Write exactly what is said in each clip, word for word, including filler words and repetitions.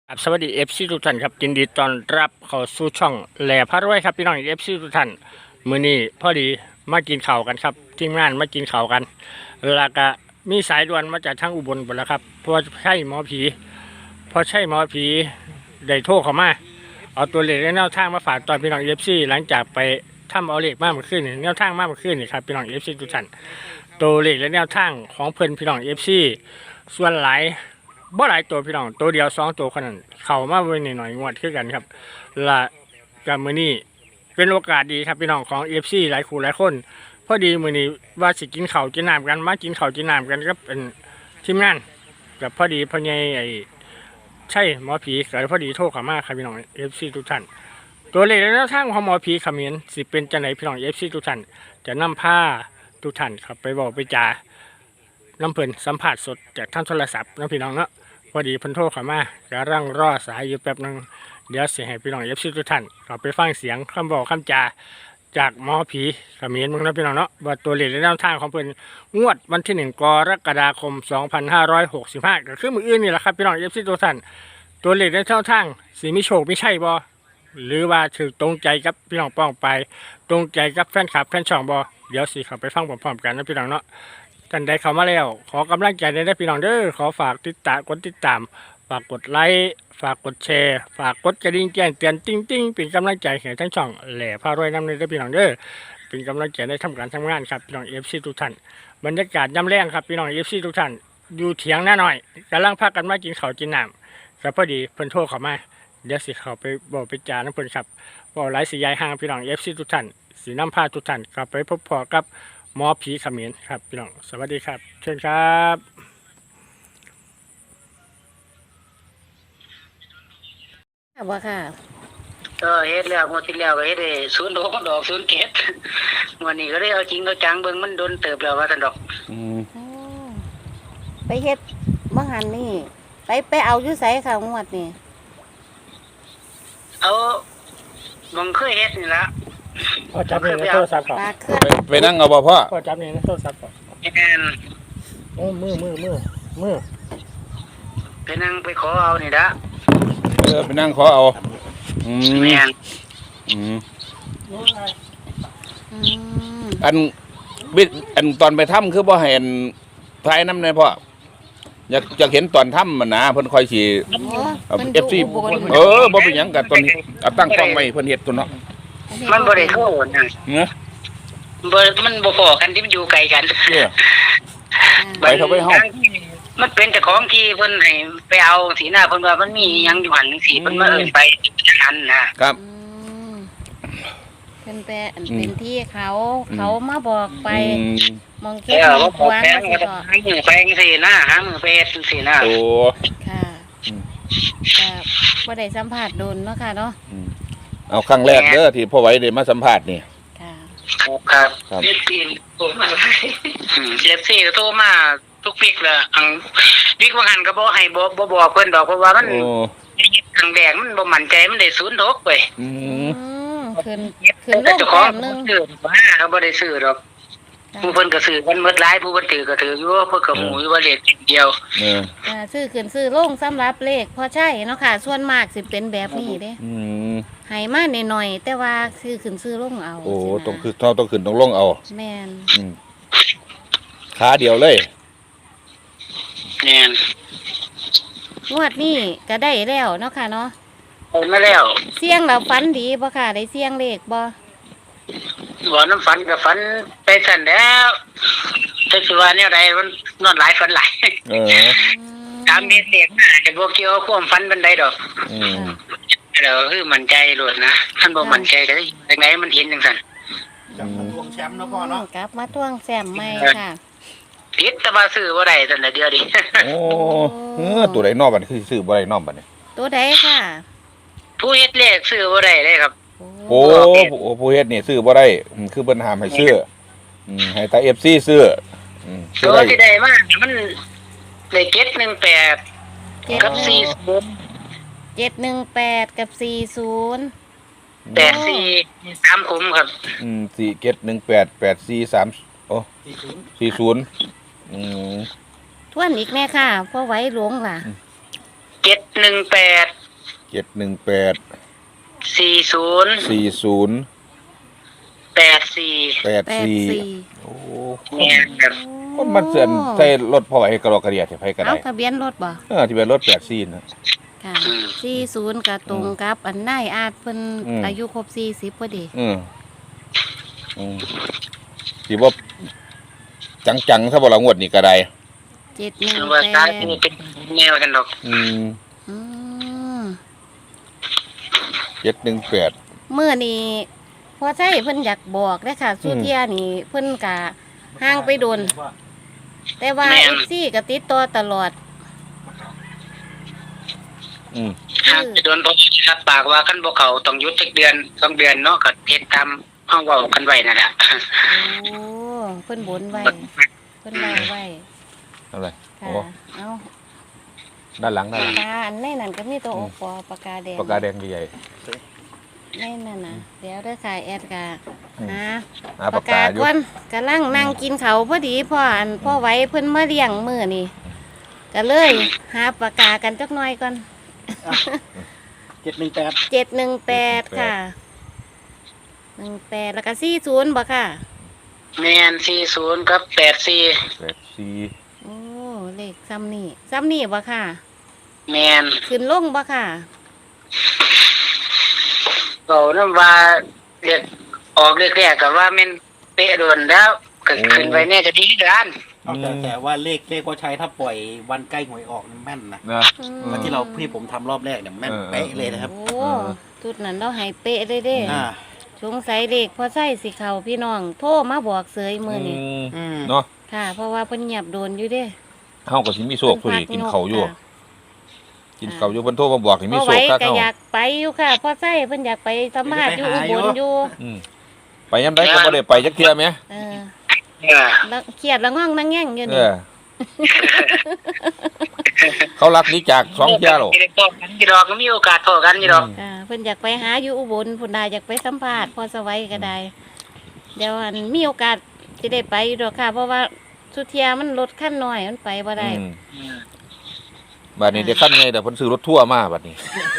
ครับสวัสดีเอฟซีทุกท่านครับยินดีต้อนรับเข้าสู่ช่องแหล่พระรวยครับพี่น้องเอฟซีทุกท่านมื้อนี้พอดีมากินข้าวกันครับทีมงานมากินข้าวกันแล้วก็มีสายด่วนมาจากทางอุบลหมดแล้วครับเพราะใช่หมอผีเพราะใช่หมอผีได้โทรเข้ามาเอาตัวเลขและแนวทางมาฝากตอนพี่น้องเอฟซีหลังจากไปทำเอาเลขมากเมื่อคืนนี่แนวทางมากเมื่อคืนนี่ครับพี่น้องเอฟซีทุกท่านตัวเลขและแนวทางของเพิ่นพี่น้องเอฟซีส่วนหลายบ่หลายตัวพี่น้องตัวเดียวสองตัวคนนั้นเข้ามาเว้นหน่อยๆงวดคือกันครับและกับมื้อนี้เป็นโอกาสดีครับพี่น้องของ เอฟ ซี หลายคู่หลายคนพอดีมื้อนี้ว่าสิกินข้าวกินน้ำกันมากินข้าวกินน้ำกันก็เป็นทีมงานกับพอดีพ่อใหญ่ไอ้ใช่หมอผีก็พอดีโทรเข้ามาครับพี่น้อง เอฟ ซี ทุกท่านตัวเลขและแนวทางของหมอผีเขมิ้นสิเป็นจังไหนพี่น้อง เอฟ ซี ทุกท่านจะนำผ้าทุกท่านครับไปบอกไปจาน้ำเพิ่นสัมผัสสดจากทางโทรศัพท์นะพี่น้องเนาะพอดีเพิ่นโทรเข้ามากำลังรอสายอยู่แป๊บนึงเดี๋ยวเสียให้พี่น้องเอฟซีทุกท่านเราไปฟังเสียงคำบอกคำจาจากหมอผีเขมิ้นมึงนะพี่น้องเนาะว่าตัวเลขและแนวทางของเพิ่นงวดวันที่หนึ่งกรกฎาคมสองพันห้าร้อยหกสิบห้าก็คือมืออื่นนี่แหละครับพี่น้องเอฟซีทุกท่านตัวเลขและแนวทางสีมีโชคไม่ใช่บ่หรือว่าถือตรงใจกับพี่น้องป้องไปตรงใจกับแฟนคลับแฟนช่องบ่เดี๋ยวสิเขาไปฟังพร้อมๆกันนะพี่น้องเนาะท่านใดเข้ามาแล้วขอกำลังใจได้พี่น้องเด้อขอฝากติดตามกดติดตามฝากกดไลค์ฝากกดแชร์ฝากกดกระดิ่งแจ้งเตือนติ้งติ้งเป็นกำลังใจให้ทั้งช่องแหล่พารวยน้ำเลยได้พี่น้องเด้อเป็นกำลังใจในทำการทำงานครับพี่น้องเอฟซีทุกท่านบรรยากาศย่ำแรงครับพี่น้องเอฟซีทุกท่านอยู่เถียงหน้าหน่อยกำลังพักกันมากินข้าวกินน้ำแต่พอดีเพิ่นโทรเข้ามาเดี๋ยวสิเขาไปบอกไปจาน้ำเพิ่นครับบอกหลายสียายห่างพี่น้องเอฟซีทุกท่านสีน้ำผ้าทุกท่านกลับไปพบพอกับหมอผีเขมิ้นครับพี่น้องสวัสดีครับเชิญครับว่าค่ะก็เฮ็ดแล้วงวดที่แล้วก็เฮ็ดได้ศูนย์ดอกดอกศูนย์เกตวันนี้ก็ได้เอาจริงเอาจังเบิ่งมันโดนเติบแล้วว่าซั่นดอกอืมอ๋อไปเฮ็ดบังหันนี่ ไปไปเอาอยู่ไสค่ะงวดนี่เอามองเคยเฮ็ดนี่ละพอจับนี่ในโทรศัพท์ก่อนปลาเคลื่อนไปไปนั่งเอาบ่พ่อพอจับนี่ในโทรศัพท์ก่อนแม่นโอ้มือมือมือมือไปนั่งไปขอเอานี่ละเออไปนั่งขอเอาอืมแม่นอืมอืมอันบิดอันตอนไปถ้ำคือบ่ให้อันท้ายน้ำเลยพ่ออยากอยากเห็นตอนถ้ำมันนะเพิ่นคอยสิโอ้เอามันเอดูฟซีอุบลเออบ่เป็นหยังกับตอนนี้เอาตั้งกล้องไว้เพิ่นเฮ็ดตัวเนาะมันบ่ได้โทษนะเนาะบ่มันบ่พอกันที่มันอยู่ไกลกันเออ ไปเถอะไปเฮ้ามันเป็นเจ้าของที่เพิ่นให้ไปเอาสีหน้าเพิ่นว่ามันมีหยังอยู่หั่นจังซี่เพิ่นมาเอิ้นไปอันนะครับอืมเป็นแปอันเป็นที่เขาเขามาบอกไปอืมมองเอแค่อมอว่าง ขคอวางแพงสิก็ก็หามือแพงสินะหามือไปเฮ็ดจังซี่นะโอ้ค่ะอืมก็บ่ได้สัมผัสโดนเนาะค่ะเนาะอืมเอาครั้งแรกเด้อที่พ่อไว้ได้มาสัมภาษณ์นี่ค่ะครับครับเอฟซีโทรมาเอฟซีโทรมาทุกวิกเลยอังวิกว่าหันก็บ่ให้บ่บ่บอกเพิ่นดอกเพราะว่ามันโอ้ทางแดงมันบ่มั่นใจมันได้ศูนย์ดอกเว้ยอือืมมขึ้นขึ้นลแต่งเจ้าของแต้มหนึงซื้อว่าเขาบ่ได้ซื้อดอกผู้เพิ่นก็ซื้อกันหมดหลายผู้เพิ่นถือก็ถืออยู่เพิ่นก็หมูอยู่ว่าเลขเดียวเอออ่าซื้อขึ้นซื้อลงสำหรับเลขพอใช่เนาะค่ะ ส่วนมากสิเป็นแบบนี้เด้อืมให้มาหน่อยๆแต่ว่าซื้อขึ้นซื้อลงเอาโอ้สินะต้องคือต้องต้องขึ้นต้องลงเอาแม่นอืมขาเดียวเลยแม่นงวดนี้ก็ได้แล้วเนาะค่ะเนาะเอามาแล้วเสี่ยงแล้วฝันดีบ่ค่ะได้เสี่ยงเลขบ่บ่น้ำฝันก็ฝันไปสั่นแล้วแต่สิว่าแนวใดมันนอนหลายฝันหลายเออตามเม็ดเสียงน่าจะบ่เกี่ยวกับความฝันปานใดดอกอืมแล้วคือมั่นใจโลดนะท่านบ่มั่นใจก็ได้จังไดมันเห็นจังซั่นจับมาทวงแชมป์นะพ่อเนาะกลับมาทวงแซมใหม่ค่ะผิดแต่ว่าซื้อบ่ได้ซั่นน่ะเดียวดิโอ้เออตัวใดนอกบัดนี้คือซื้อบ่ได้นอกบัดนี้ตัวใดค่ะผู้เฮ็ดเลขซื้อบ่ได้เลยครับโอ้โอ้ผู้เฮ็ดนี่ซื้อบ่ได้อืมคือเพิ่นห้ามให้ซื้ออืมให้ตา เอฟ ซี ซื้ออืมซื้อตัวได้ที่ได้มามันได้เก็ดหนึ่งแปดเจ็ดกับหนึ่สี่งศูนย์เจ็ดหนึ่งแปดกับสี่ศูนย์แปดสี่สามคุ้มครับอืมสี่เจ็ดหนึ่งแปดแปดสี่สามโอ้สี่ศูนย์อืมทวนอีกแม่ค่ะเพราะไว้หลวงล่ะเจ็ดหนึ่งแปดเจ็ดหนึ่งแปดสี่ศูนย์สี่ศูนย์แปดสี่แปดแปดสี่สี่โอ้แม่นครับคนมันเสื่อนใส่รถพ่อให้กระรอกกระเดียดให้ไผก็เอาได้ทะเบียนรถบ่เออที่เป็นรถแปดสี่นะค่ะสี่ศูนย์กับตรงกับ อันนายอาจเพิ่นอืมอายุครบสี่สิบพอดีอืมอืมสิบ่จังๆถ้าบ่ละงวดนี่ก็ได้เจ็ดหนึ่งว่าแปซ้ายดนี่เป็นแนวกันดอกอืมอืมเจ็ดหนึ่งแปดเมื่อนี้พอใช่เพิ่นอยากบอกเด้อค่ะสุเทียนี่เพิ่นกะห่างไปโดน แต่ว่า เอฟซีก็ติดต่อตลอดอืมหากจะโดนบ่รับปากว่าคันบ่เข้าต้องหยุดจักเดือนสองเดือนเนาะก็เฮ็ดตามห้องเว้ากันไว้นั่นแหละโอ้เพิ่นบนไว้เพิ่นเล่าไว้อะไรค่ะโอ้เอาด้านหลังด้านหลังปากกาอันในนั้นก็มีตัวโอปอปากกาแดงปากกาแดงใหญ่ในนั่นน่ะเดี๋ยวเด้อค่ะแอดกะอืมหาๆหาปาปาก กกากาอยู่ก่อนกำลังนั่งกินเขาวพอดีพ่ออันพ่อไว้เพิ่นมาเลี้ยงมื้อนี่ก็เลยหาปากกากันจักหน่อยก่อนเจ็ดหนึ่งแปดเจ็ดหนึ่งแปดค่ะหนึ่งแปดแล้วก็สี่ศูนย์บ่ค่ะแม่นสี่ศูนย์กับแปดสี่แปดสี่โอ้เลขซ้ำนี่ซ้ำนี่บ่ค่ะแม่นขึ้นลงบ่ค่ะเว้านำว่าเรียกออกเรียกแรกก็ว่าแม่นเป๊ะโดนแล้วก็ขึ้นไปแน่จะดีกันเอาแต่แต่ว่าเลขเลขว่าใช้ถ้าปล่อยวันใกล้หวยออกนี่แม่นนะนะอืมแล้วที่เราที่ผมทำรอบแรกเนี่ยแม่นเออเป๊ะเลยนะครับโอ้จุดนั้นเราให้เป๊ะเลยเด้อ่าสงสัยเลขพอใส่สิเขาพี่น้อง โทรมาบอกเสยมือนี่อืมอืมเนาะค่ะ เพราะว่าเพิ่นเงียบโดนอยู่เด้เฮาก็สิมีโชคผู้นี้กินข้าวอยู่ค่ะกินข้าวอยู่เพิ่นโทรมาบอกให้มีพอโชไว้คคักก็เฮาอยากไปอยู่ค่ะพอใส่เพิ่นอยากไปสัมภาษณ์อยู่อุบลอยู่อืมไปยามใดก็บ่ได้ไปจักเที่ยแหมเออเออแล้วเครียดแล้วง่องนั่งแง่งอยู่เอนี่อ เขารักนี้จากสองเที่ยหรอสิได้พบกันอยู่ดอกก็มีโอกาสพบกันอยู่ดอกค่ะเพิ่นอยากไปหาอยู่อุบลพุ่นน่ะอยากไปสัมภาษณ์พอสวัยก็ได้ เดี๋ยวอันมีโอกาสสิได้ไปอยู่ดอกค่ะ เพราะว่าสุเทียมันรถคันน้อยมันไปบ่ได้อืมบัดนี้เด็กขั้นไงแต่เพิ่นซื้อรถทัวร์มาบัดนี้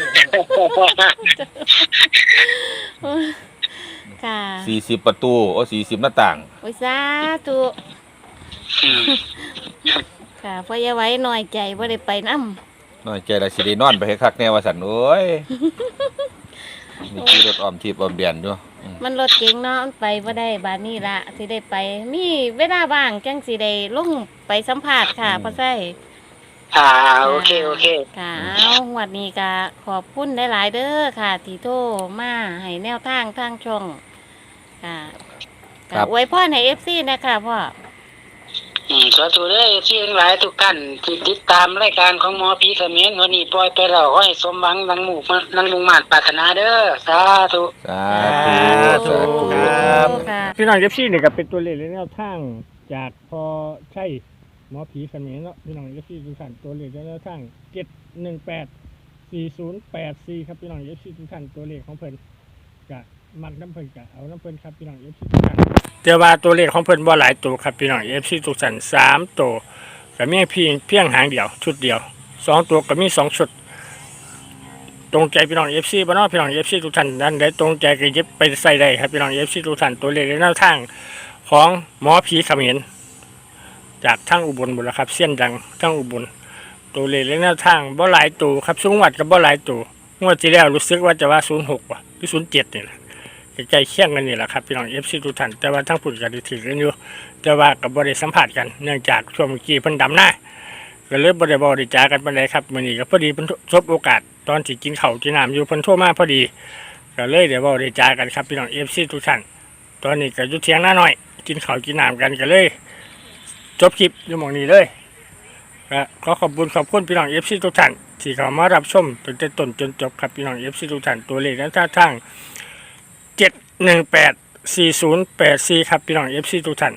ค่ะสี่สิบประตูโอ้สี่สิบหน้าต่างโอ้ยสาธุอืมค่ะเพราะอย่าไว้น้อยใจบ่ได้ไปนำน้อยใจละสิได้นอนไปให้คักแน่ว่าซั่นโอ้ยนี่ขี่รถอ้อมทิพย์อ้อมเดียนอยู่อืมมันรถเก๋งเนาะมันไปบ่ได้บาดนี้ละสิได้ไป มีเวลาว่างจังสิได้ลงไปสัมภาษณ์ค่ะพ่อไส้อ่าโอเคโอเคค่ะเอางวดนี้ก็ขอบคุณหลายๆเด้อค่ะ ที่โทรมาให้แนวทางทางช่องค่ะก็อวยพรให้ เอฟ ซี นะคะพ่ออืมสาธุเด้อที่ทั้งหลายทุกท่านที่ติดตามรายการของหมอผีเขมรวันนี้ปล่อยไปแล้วขอให้สมหวังดังหมู่ดังมุ่งมั่นปรารถนาเด้อสาธุสาธุสาธุครับค่ะพี่น้องเอฟซีนี่ก็เป็นตัวเลขและแนวทางจากพอใช่หมอผีเขมรเนาะพี่น้องเอฟซีทุกท่านตัวเลขและแนวทางเจ็ดหนึ่งแปดสี่ศูนย์แปดสี่ครับพี่น้องเอฟซีทุกท่านตัวเลขของเพิ่นจะมักน้ำเพิ่นกะเอาน้ำเพิ่นครับพี่น้องเอฟซีทุกท่านแต่ว่าตัวเลขของเพิ่นบ่หลายตัวครับพี่น้องเอฟซีทุกท่านสามตัวก็มีเพียงเพียงหางเดียวชุดเดียวสองตัวก็มีสองชุด ตรงใจพี่น้องเอฟซีบ้านนอกพี่น้องเอฟซีทุกท่านนั้นได้ตรงใจก็เย็บไปใส่ได้ครับพี่น้องเอฟซีทุกท่านตัวเลขและแนวทางของหมอผีเขมรจากทั้งอุบลบุรีครับเสี้ยนดังทั้งอุบลตัวเลขและแนวทางบ่หลายตัวครับสูงวัดกับบ่หลายตัวงวดที่แล้วรู้สึกว่าจะว่าศูนย์หกว่ะหรือศูนย์เจ็ดนี่แหละใกล้เคียงกันนี่แหละครับพี่น้องเอฟซีทุกท่านแต่ว่าทั้งผุดกันถือกันอยู่แต่ว่ากับบริสัมผัสกันเนื่องจากช่วงเมื่อกี้เพิ่นดำหน้าก็เลยบริบริจากันไปเลยครับมื้อนี้ก็พอดีเพิ่นทบโอกาสตอนที่กินข้าวกินน้ำอยู่เพิ่นโทรมาพอดีก็เลยเดี๋ยวบริจากันครับพี่น้องเอฟซีทุกท่านตอนนี้ก็อยู่เที่ยงหน้าหน่อยกินข้าวกินน้ำกันก็เลยจบคลิปอยู่หม้องนี้เลยก็ขอขอบคุณขอบคุณพี่น้องเอฟซีทุกท่านที่เข้ามารับชมตั้งแต่ต้นจนจบครับพี่น้องเอฟซีทุกท่านตัวเลขนั้นท่าทางเจ็ดหนึ่งแปดสี่ศูนย์แปดสี่ครับพี่น้องเอฟซีทุกท่าน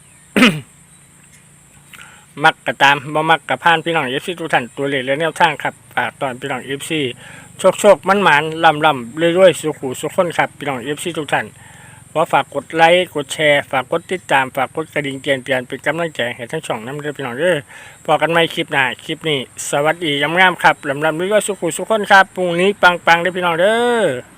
มักกะตามบ่มักกะพานพี่น้องเอฟซีทุกท่านตัวเลขและแนวทางครับฝากตอนพี่น้องเอฟซีโชคโชคมันหมานลำลำเรื่อยๆสุขุสุขคนครับพี่น้องเอฟซีทุกท่านขอฝากกดไลค์กดแชร์ฝากกดติดตามฝากกดกระดิ่งแจ้งเตือนเป็นกำลังใจให้ทั้งช่องน้ำเด้อพี่น้องเด้อพอกันใหม่คลิปหน้าคลิปนี้สวัสดียามงามครับลำลำด้วยสุขุสุขคนครับพรุ่งนี้ปังๆเด้อพี่น้องเด้อ